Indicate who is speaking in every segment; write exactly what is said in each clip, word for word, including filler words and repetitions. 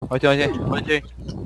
Speaker 1: 화이팅 화이팅
Speaker 2: 화이팅.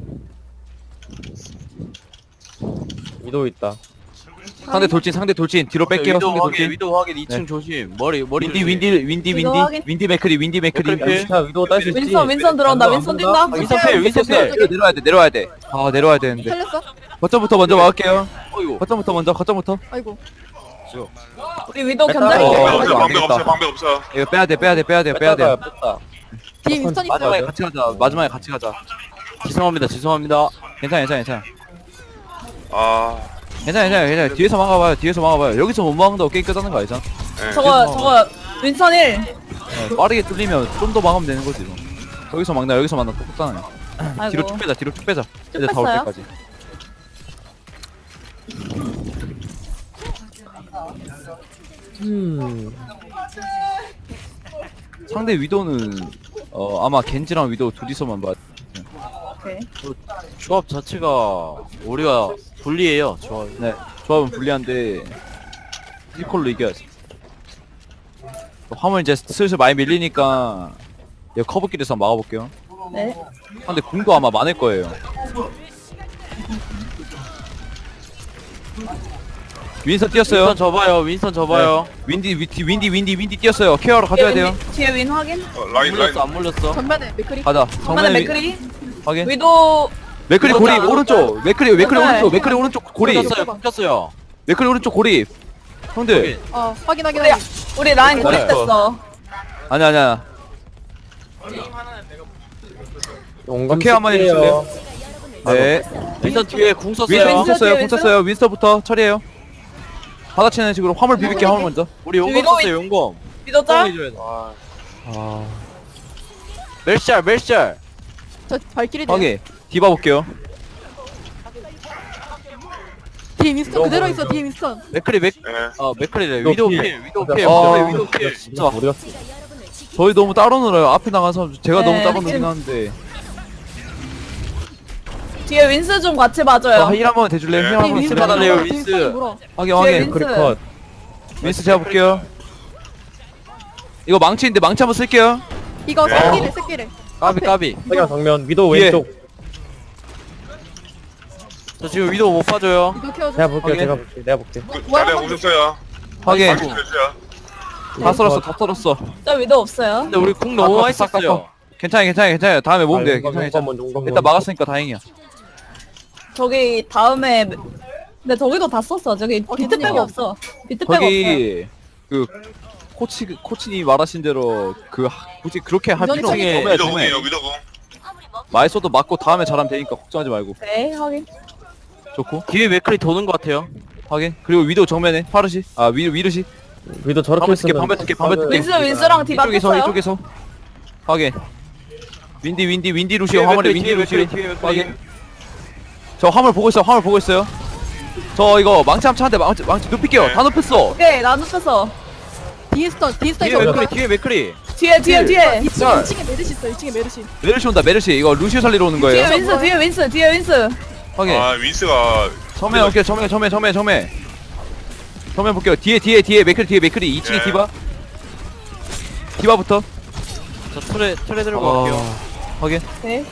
Speaker 3: 위도 있다.
Speaker 1: 상대 돌진 상대 돌진 뒤로 뺄게요.
Speaker 2: 위도
Speaker 1: 상대
Speaker 2: 확인,
Speaker 1: 돌진.
Speaker 2: 위도 확인 이 층
Speaker 1: 네.
Speaker 2: 조심. 머리 머리
Speaker 1: 윈디
Speaker 2: 조심.
Speaker 1: 윈디 윈디
Speaker 4: 이거
Speaker 1: 윈디
Speaker 4: 확인.
Speaker 1: 윈디 맥크리 윈디 맥크리.
Speaker 2: 맥크리 필.
Speaker 3: 자 위도 딸 수 있지.
Speaker 4: 윈선 윈선 들어온다. 윈선 뛴다.
Speaker 2: 윈선 필, 윈선 필.
Speaker 1: 내려- 내려와야 돼 내려와야 돼. 아 내려와야 되는데.
Speaker 4: 살렸어?
Speaker 1: 거점부터 먼저 막을게요.
Speaker 2: 어이구.
Speaker 1: 거점부터 먼저 거점부터.
Speaker 4: 아이고.
Speaker 2: 저.
Speaker 4: 우리 위도
Speaker 1: 뺐다.
Speaker 4: 견자리.
Speaker 1: 어,
Speaker 5: 방벽
Speaker 1: 이거
Speaker 5: 없어
Speaker 1: 안
Speaker 5: 방벽
Speaker 1: 되겠다.
Speaker 5: 없어 방벽 없어.
Speaker 1: 이거 빼야 돼 빼야 돼 빼야 돼 빼야 돼.
Speaker 3: 뺐다.
Speaker 4: 뒤에 윈선 있어.
Speaker 1: 마지막에 같이 가자. 마지막에 같이 가자.
Speaker 2: 죄송합니다. 죄송합니다.
Speaker 1: 괜찮아 괜찮아 괜찮아.
Speaker 5: 아,
Speaker 1: 괜찮아 괜찮아 괜찮아. 뒤에서 막아봐요. 뒤에서 막아봐요. 여기서 못 막는다고 게임 끝나는 거 아니잖아.
Speaker 5: 네.
Speaker 4: 저거 저거 윈선 일.
Speaker 1: 네, 빠르게 뚫리면 좀 더 막으면 되는 거지 뭐. 여기서 막나 여기서 막나 똑같잖아요.
Speaker 4: 아이고.
Speaker 1: 뒤로 쭉 빼자 뒤로 쭉 빼자.
Speaker 4: 쭉
Speaker 1: 이제 다 올
Speaker 4: 뺐어요?
Speaker 1: 때까지.
Speaker 3: 음.
Speaker 1: 상대 위도는 어 아마 겐지랑 위도 둘이서만 봐.
Speaker 4: 오케이.
Speaker 2: 조합 자체가 우리가 불리해요. 조합.
Speaker 1: 네, 조합은 불리한데 피지컬로 이겨야지. 화물 이제 슬슬 많이 밀리니까 이거 커브길에서 막아볼게요.
Speaker 4: 네.
Speaker 1: 근데 궁도 아마 많을 거예요. 윈선 뛰었어요.
Speaker 2: 윈선 접어요. 윈선 접어요.
Speaker 1: 네. 윈디 윈디 윈디 윈디 윈디 뛰었어요. 케어로 가져야 돼요.
Speaker 4: 윈- 뒤에 윈 확인.
Speaker 5: 어,
Speaker 2: 안
Speaker 5: 라인 라인.
Speaker 2: 물렸어. 안 물렸어.
Speaker 4: 전면에 맥크리.
Speaker 1: 가자.
Speaker 4: 전면에
Speaker 1: 정면에
Speaker 4: 맥크리.
Speaker 1: 확인.
Speaker 4: 위도.
Speaker 1: 맥크리 고리
Speaker 4: 맞아.
Speaker 1: 오른쪽. 맥크리 맥크리
Speaker 4: 맞아.
Speaker 1: 오른쪽. 맥크리 오른쪽 고리.
Speaker 4: 맞아.
Speaker 2: kus었어요. kus었어요.
Speaker 1: 맥크리 오른쪽 고리. 형들.
Speaker 4: 어 확인 확인. 우리 우리 라인
Speaker 1: 네.
Speaker 4: 고립됐어.
Speaker 1: 아니야 아니야.
Speaker 3: 용감
Speaker 1: 케어 한번
Speaker 3: 쓸게요.
Speaker 1: 네.
Speaker 2: 윈선 뒤에 궁
Speaker 1: 윈스터
Speaker 2: 썼어요.
Speaker 4: 윈스터
Speaker 1: 공 썼어요.
Speaker 4: 뒤에
Speaker 1: 공 썼어요. 윈스터부터 처리해요. 받아치는 식으로 화물 비빌게 화물 먼저.
Speaker 2: 우리 용검
Speaker 4: 위도
Speaker 2: 썼어요. 용검.
Speaker 4: 위도 짤.
Speaker 2: 해줘야 돼.
Speaker 1: 아.
Speaker 2: 멜샬 멜샬.
Speaker 4: 저 발길이
Speaker 1: 확인. 디바 볼게요.
Speaker 4: 뒤에 윈스턴 그대로 있어. 뒤에 윈스턴.
Speaker 2: 맥크리 맥.
Speaker 5: 네.
Speaker 2: 아 맥크리래.
Speaker 3: 위도
Speaker 2: 위도우
Speaker 3: 필.
Speaker 2: 필. 위도우 필.
Speaker 1: 아,
Speaker 2: 맥크리 위도우 필.
Speaker 1: 진짜.
Speaker 3: 우리가
Speaker 1: 저희 너무 따로 놀아요. 앞에 나간 사람 제가
Speaker 4: 네,
Speaker 1: 너무 따로 놀긴
Speaker 4: 지금-
Speaker 1: 하는데.
Speaker 4: 뒤에 윈스 좀 같이 봐줘요.
Speaker 1: 아, 힐 한번 대줄래요?
Speaker 5: 네.
Speaker 1: 힐
Speaker 4: 뒤에
Speaker 1: 한번
Speaker 4: 윈스
Speaker 2: 윈스 받아내요,
Speaker 4: 물어. 뒤에
Speaker 2: 윈스.
Speaker 4: 윈스 물어.
Speaker 1: 확인
Speaker 4: 뒤에
Speaker 1: 확인.
Speaker 4: 윈스.
Speaker 3: 크리컷.
Speaker 1: 윈스 제가 볼게요. 이거 망치인데 망치 한번 쓸게요.
Speaker 4: 이거
Speaker 5: 네.
Speaker 4: 새끼래 새끼래.
Speaker 2: 까비 까비.
Speaker 3: 석양 정면 위도
Speaker 1: 뒤에.
Speaker 3: 왼쪽.
Speaker 2: 저 지금 위도우 못 봐줘요.
Speaker 4: 이거 키워줘.
Speaker 3: 내가 볼게.
Speaker 1: 확인.
Speaker 3: 제가 볼게. 내가 볼게.
Speaker 5: 그,
Speaker 4: 뭐야,
Speaker 5: 자리야
Speaker 4: 방금-
Speaker 5: 오셨어요.
Speaker 1: 확인.
Speaker 5: 방금 오셨어요.
Speaker 1: 다 썰었어. 다 썰었어.
Speaker 4: 저 위도 없어요.
Speaker 2: 근데 우리 궁 너무 많이
Speaker 1: 싹, 싹,
Speaker 2: 썼어요.
Speaker 1: 괜찮아 괜찮아 괜찮아. 다음에 모으면 돼.
Speaker 3: 용감,
Speaker 1: 괜찮아
Speaker 3: 용감
Speaker 1: 괜찮아.
Speaker 3: 먼저, 용감
Speaker 1: 일단
Speaker 3: 먼저.
Speaker 1: 막았으니까 다행이야.
Speaker 4: 저기 다음에 근데 저기도 다 썼어. 저기 비트 빼고 없어. 비트 빼고 없어.
Speaker 1: 거기 그 코치 코치님 말하신 대로 그 하- 굳이 그렇게 할
Speaker 4: 이전에
Speaker 1: 필요 없어.
Speaker 4: 저기-
Speaker 1: 처음에
Speaker 5: 위도공이에요
Speaker 1: 처음에
Speaker 5: 위도공.
Speaker 1: 많이 써도 맞고 다음에 잘하면 되니까 걱정하지 말고.
Speaker 4: 네 확인.
Speaker 1: 좋고
Speaker 2: 뒤에 맥크리 도는 것 같아요.
Speaker 1: 확인. 그리고 위도 정면에 파르시 아 위, 위르시
Speaker 3: 위도 저렇게
Speaker 1: 방금 뜯게,
Speaker 3: 쓰면
Speaker 1: 방금 뜯게, 방금 뜯게.
Speaker 4: 윈스 윈스랑 디바
Speaker 1: 이쪽에서
Speaker 4: 뺐어요.
Speaker 1: 이쪽에서 확인. 윈디 윈디 윈디 루시
Speaker 2: 뒤에
Speaker 1: 화물에
Speaker 2: 맥크리,
Speaker 1: 윈디
Speaker 2: 뒤에
Speaker 1: 루시
Speaker 2: 맥크리, 뒤에 맥크리.
Speaker 1: 확인. 저 화물 보고 있어요. 화물 보고 있어요. 저 이거 망치 한번 차는데 망치 망치 눕힐게요.
Speaker 5: 네.
Speaker 1: 다 눕혔어.
Speaker 4: 오케이 나 눕혔어. 디스턴 디스턴
Speaker 2: 뒤에 맥크리 뒤에 맥크리.
Speaker 4: 뒤에 뒤에 뒤에.
Speaker 1: 짤.
Speaker 4: 층에 메르시 있어. 이 층에 메르시.
Speaker 1: 메르시 온다. 메르시 이거 루시 살리러 오는
Speaker 4: 뒤에
Speaker 1: 거예요.
Speaker 4: 윈스 뒤에 윈스 뒤에 윈스.
Speaker 1: 확인.
Speaker 5: 아 윈스가
Speaker 1: 정면 올게요. 정면 정면 정면 정면. 정면 볼게요. 뒤에 뒤에 뒤에 맥크리 뒤에 맥크리 이 층에
Speaker 5: 네.
Speaker 1: 디바. 디바부터.
Speaker 2: 저 트레 트레 들고
Speaker 1: 어,
Speaker 2: 갈게요.
Speaker 1: 확인.
Speaker 4: 네.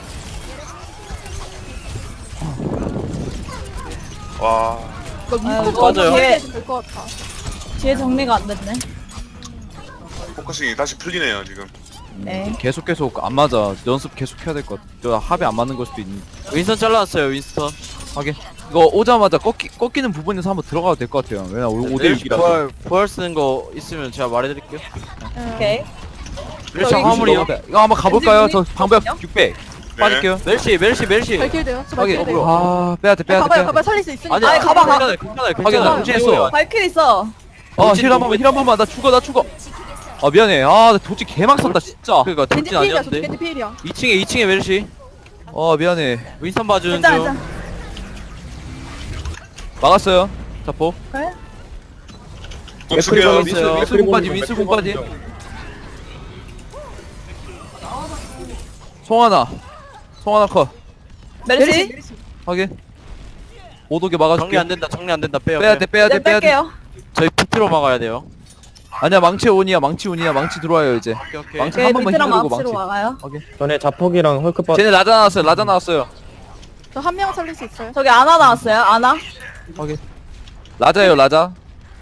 Speaker 5: 와
Speaker 4: 아,
Speaker 2: 맞아요.
Speaker 4: 뒤에 될것 같아. 뒤에 정리가 안 됐네.
Speaker 5: 포커싱이 다시 풀리네요 지금.
Speaker 4: 네.
Speaker 1: 계속 계속 안 맞아. 연습 계속 해야 될 것 같아. 저 합이 안 맞는 걸 수도 있는.
Speaker 2: 윈선 잘라왔어요. 윈스턴.
Speaker 1: 확인. 이거 오자마자 꺾이, 꺾이는 부분에서 한번 들어가도 될 것 같아요. 왜냐 오 대
Speaker 2: 멜시
Speaker 1: 육이라서.
Speaker 2: 부활 부활 쓰는 거 있으면 제가 말해드릴게요.
Speaker 4: 오케이.
Speaker 2: 멜시
Speaker 4: 저기
Speaker 2: 화물이요.
Speaker 1: 이거 한번 가볼까요? 저
Speaker 4: 왠지
Speaker 1: 방벽
Speaker 4: 보이거든요?
Speaker 1: 육백. 빠질게요.
Speaker 2: 멜시 멜시 멜시.
Speaker 4: 발길돼요. 저
Speaker 1: 확인.
Speaker 4: 발길돼요.
Speaker 1: 아 빼야돼 빼야돼
Speaker 4: 가봐요
Speaker 1: 빼야돼.
Speaker 4: 가봐요 살릴 수 있으니까.
Speaker 2: 아니
Speaker 4: 아니 가봐 가.
Speaker 2: 괜찮아요. 괜찮아요.
Speaker 1: 확인.
Speaker 2: 괜찮아요.
Speaker 1: 무시했어.
Speaker 4: 발길 있어.
Speaker 1: 아힐 한 번만 힐 한 번만. 나 죽어 나 죽어. 아 미안해. 아나 도치 개막 썼다 진짜.
Speaker 2: 그러니까
Speaker 4: 겐지
Speaker 2: 돌진
Speaker 4: 필이야. 저
Speaker 2: 아니었는데.
Speaker 4: 겐지 필이야.
Speaker 2: 이 층에 이 층에 멜시.
Speaker 1: 아 미안해.
Speaker 2: 윈선 봐주는
Speaker 4: 괜찮아
Speaker 2: 중.
Speaker 4: 괜찮아.
Speaker 1: 막았어요. 자포.
Speaker 4: 그래?
Speaker 5: 공수게요.
Speaker 3: 맥크리
Speaker 1: 민스
Speaker 2: 있어요.
Speaker 1: 민스 공빠지 민스 공빠지. 송하나. 송하나 컷.
Speaker 4: 메르시.
Speaker 1: 확인. 오독에 막아줄게.
Speaker 2: 정리 안 된다. 정리 안 된다. 빼요.
Speaker 1: 빼야 돼 빼야 돼
Speaker 4: 네
Speaker 1: 빼야 돼.
Speaker 4: 뺄게요.
Speaker 2: 저희 비트로 막아야 돼요.
Speaker 1: 아니야 망치 온이야 망치 온이야 망치 들어와요 이제.
Speaker 2: 오케이 오케이.
Speaker 1: 망치
Speaker 4: 오케이
Speaker 1: 한 번만
Speaker 4: 밑이랑
Speaker 1: 휘두르고
Speaker 4: 망치로
Speaker 1: 망치.
Speaker 4: 와가요.
Speaker 3: 전에 자폭이랑 헐크 빠
Speaker 1: 쟤네 라자 나왔어요 라자 나왔어요.
Speaker 6: 저 한 명 살릴 수 있어요.
Speaker 4: 저기 아나 나왔어요. 아나.
Speaker 1: 확인. 라자예요 라자.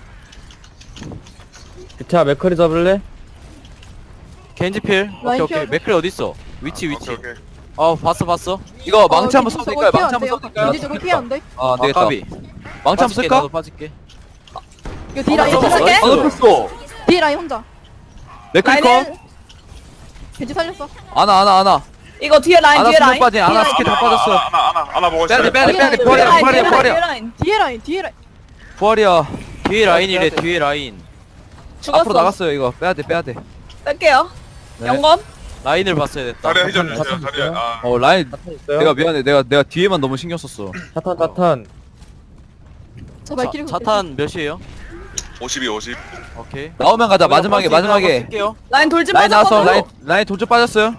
Speaker 3: 비트야 맥커리 잡을래?
Speaker 2: 겐지필. 오케이
Speaker 6: 라인
Speaker 2: 오케이.
Speaker 6: 피하고.
Speaker 2: 맥클 어디 있어? 위치 위치.
Speaker 5: 오케이 오케이.
Speaker 2: 어 봤어 봤어.
Speaker 1: 이거 망치 한번 써도
Speaker 6: 저거
Speaker 1: 될까요?
Speaker 6: 피해
Speaker 1: 망치
Speaker 6: 안
Speaker 1: 한번
Speaker 6: 돼요.
Speaker 1: 써도 될까요?
Speaker 6: 겐지 저거 피해 안 돼.
Speaker 1: 아
Speaker 2: 아
Speaker 1: 되겠다.
Speaker 2: 까비.
Speaker 1: 망치 한번
Speaker 2: 빠질게,
Speaker 1: 쓸까?
Speaker 2: 나도 빠질게.
Speaker 6: 이거 D 라인
Speaker 4: 어,
Speaker 6: 혼자.
Speaker 4: 써볼게.
Speaker 1: 아 놓쳤어.
Speaker 6: D 라인 혼자.
Speaker 1: 맥크리 컷.
Speaker 4: 라인은
Speaker 6: 겐지 살렸어.
Speaker 1: 아나 아나 아나.
Speaker 4: 이거 뒤에 라인
Speaker 1: 아나
Speaker 4: 뒤에
Speaker 1: 수면
Speaker 4: 라인.
Speaker 1: 빠진 아나
Speaker 4: 뒤에
Speaker 1: 스킬 다
Speaker 5: 아나,
Speaker 1: 빠졌어.
Speaker 5: 아나 아나 아나 보고
Speaker 1: 빼야 돼
Speaker 5: 있어요.
Speaker 1: 빼야 돼 빼야 돼
Speaker 6: 뒤에
Speaker 1: 부활이야
Speaker 4: 라인,
Speaker 1: 부활이야
Speaker 4: 뒤에 라인,
Speaker 1: 부활이야.
Speaker 4: 뒤에 라인.
Speaker 6: 뒤에 라인 뒤에 라인.
Speaker 1: 부활이야.
Speaker 2: 뒤에 라인이래 뒤에 라인.
Speaker 4: 죽었어.
Speaker 1: 앞으로 나갔어요 이거 빼야 돼 빼야 돼.
Speaker 4: 뺄게요.
Speaker 1: 네.
Speaker 4: 영검.
Speaker 2: 라인을 봤어야 됐다.
Speaker 5: 자리야 회전 주세요.
Speaker 3: 자탄
Speaker 5: 자리야.
Speaker 3: 있어요?
Speaker 5: 아,
Speaker 1: 어 라인
Speaker 3: 자탄 있어요?
Speaker 1: 내가 미안해 내가 내가 뒤에만 너무 신경 썼어.
Speaker 3: 자탄 자탄
Speaker 6: 저 발키리
Speaker 2: 자, 자탄 몇이에요?
Speaker 5: 오십이 오십.
Speaker 2: 오케이.
Speaker 1: 나오면 가자 마지막에 마지막에.
Speaker 2: 쓸게요.
Speaker 4: 라인 돌진
Speaker 1: 라인 나왔어
Speaker 4: 빠졌거든.
Speaker 1: 라인 라인 돌쪽 빠졌어요.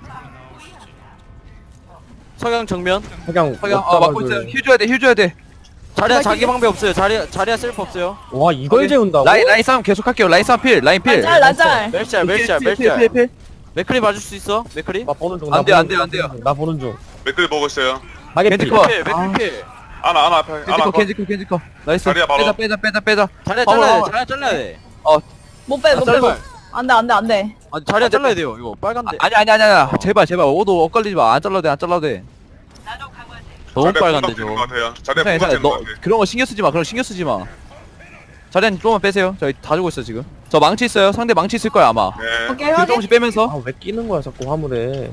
Speaker 2: 석양 정면.
Speaker 3: 석양
Speaker 1: 확인. 어 막고 있어요. 휴 줘야 돼휴 줘야 돼.
Speaker 2: 자리야 자기 방배 없어요. 자리야 자리야 셀프 없어요.
Speaker 3: 와 이걸
Speaker 1: 확인.
Speaker 3: 재운다고?
Speaker 1: 라인 라인 싸움 계속 할게요. 라인 싸움 필 라인 필.
Speaker 4: 라짤 라짤.
Speaker 2: 멜짤 멜짤
Speaker 1: 필, 필, 필,
Speaker 2: 멜짤.
Speaker 1: 필.
Speaker 2: 맥클리 봐줄 수 있어? 맥클리?
Speaker 3: 나 보는 중.
Speaker 1: 안
Speaker 3: 나
Speaker 1: 돼요,
Speaker 3: 보는
Speaker 1: 안 돼요,
Speaker 3: 중,
Speaker 1: 안 돼요.
Speaker 3: 나 보는 중.
Speaker 5: 맥클 보고 있어요.
Speaker 3: 하게피.
Speaker 1: 겐지 컷.
Speaker 2: 필 맥클리 필.
Speaker 5: 아나 아나 앞에. 아나
Speaker 1: 겐지커
Speaker 5: 컷.
Speaker 1: 겐지커 겐지커. 나이스.
Speaker 5: 자리야, 바로.
Speaker 1: 빼자 빼자 빼자 빼자.
Speaker 2: 자리야
Speaker 1: 봐봐,
Speaker 2: 잘라야 돼.
Speaker 1: 봐봐.
Speaker 2: 자리야 잘라야 돼.
Speaker 4: 못 빼, 못 빼.
Speaker 2: 제발.
Speaker 4: 안돼 안돼 안돼.
Speaker 2: 아니 자리야 잘라야 돼요. 이거 빨간데.
Speaker 1: 아니 아니 아니 아니 제발 제발 오도 엇갈리지 마. 안 잘라도 돼안 잘라도 돼.
Speaker 2: 너무
Speaker 5: 자리야
Speaker 2: 빨간데
Speaker 5: 공각 되는
Speaker 2: 저거.
Speaker 5: 것 같아요. 자리야
Speaker 1: 괜찮아
Speaker 5: 공각
Speaker 1: 괜찮아.
Speaker 5: 되는 것
Speaker 1: 너
Speaker 5: 같아.
Speaker 1: 그런 거 신경 쓰지 마. 그런 거 신경 쓰지 마. 자리한 조금만 빼세요. 저희 다 주고 있어 지금. 저 망치 있어요. 상대 망치 있을 거야 아마.
Speaker 5: 네.
Speaker 4: 오케이
Speaker 1: 뒤로
Speaker 4: 확인.
Speaker 1: 조금씩 빼면서.
Speaker 3: 아왜 끼는 거야 자꾸 화물에.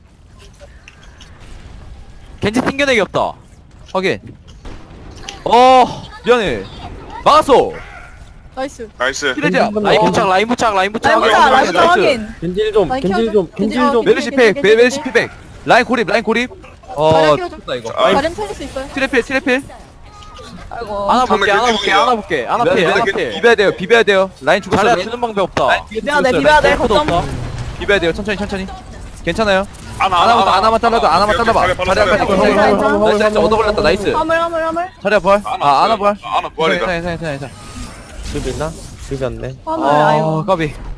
Speaker 2: 겐지 튕겨내기 없다.
Speaker 1: 확인. 어 미안해. 막았어.
Speaker 6: 나이스.
Speaker 5: 나이스.
Speaker 1: 키레지야.
Speaker 2: 라인 부착 라인 부착 라인 부착.
Speaker 4: 라인 보자
Speaker 1: 확인,
Speaker 4: 라인 보자
Speaker 1: 나이스.
Speaker 4: 확인.
Speaker 3: 겐질 좀
Speaker 6: 라인
Speaker 3: 겐질
Speaker 6: 키워줘.
Speaker 3: 좀
Speaker 6: 겐지,
Speaker 3: 겐질
Speaker 6: 어,
Speaker 3: 좀.
Speaker 6: 겐지.
Speaker 1: 메르시 팩
Speaker 6: 겐지,
Speaker 1: 메르시
Speaker 6: 겐지.
Speaker 1: 피백. 라인 고립 라인 고립. 어
Speaker 6: 자리야 키워줘.
Speaker 1: 좋다 이거.
Speaker 5: 아,
Speaker 6: 자리는 살릴 수 있어요.
Speaker 1: 트래필 트래필.
Speaker 4: 아이고.
Speaker 2: 안아 볼게 안아
Speaker 5: 정말
Speaker 2: 볼게
Speaker 5: 겐지
Speaker 2: 안아 볼게 안아
Speaker 1: 미안해,
Speaker 2: 필 안아
Speaker 1: 미안해.
Speaker 2: 필.
Speaker 1: 비벼야 돼요 비벼야 돼요. 라인 죽었어.
Speaker 2: 자리야
Speaker 1: 라인
Speaker 2: 주는 방법 없다.
Speaker 1: 라인 뒤에
Speaker 4: 비벼야 돼
Speaker 1: 죽었어요.
Speaker 4: 비벼야 돼
Speaker 2: 셀프도
Speaker 4: 걱정.
Speaker 2: 없다.
Speaker 1: 비벼야 돼요. 천천히 천천히. 괜찮아요.
Speaker 5: 아나
Speaker 1: 하나만 하나만 잘라도 하나만
Speaker 5: 오케이,
Speaker 1: 잘라봐.
Speaker 5: 오케이, 자리야,
Speaker 1: 자리야
Speaker 5: 바로
Speaker 1: 빨리
Speaker 5: 자리야.
Speaker 1: 괜찮아.
Speaker 4: 괜찮아, 괜찮아.
Speaker 1: 나이스 나이스 얻어 걸렸다 나이스.
Speaker 4: 화물 화물 화물.
Speaker 1: 자리야 부활. 아 하나 부활.
Speaker 5: 아나 부활이다.
Speaker 1: 괜찮아 괜찮아 괜찮아.
Speaker 3: 비비나? 비볐네.
Speaker 4: 화물
Speaker 1: 아
Speaker 4: 아이고.
Speaker 1: 까비.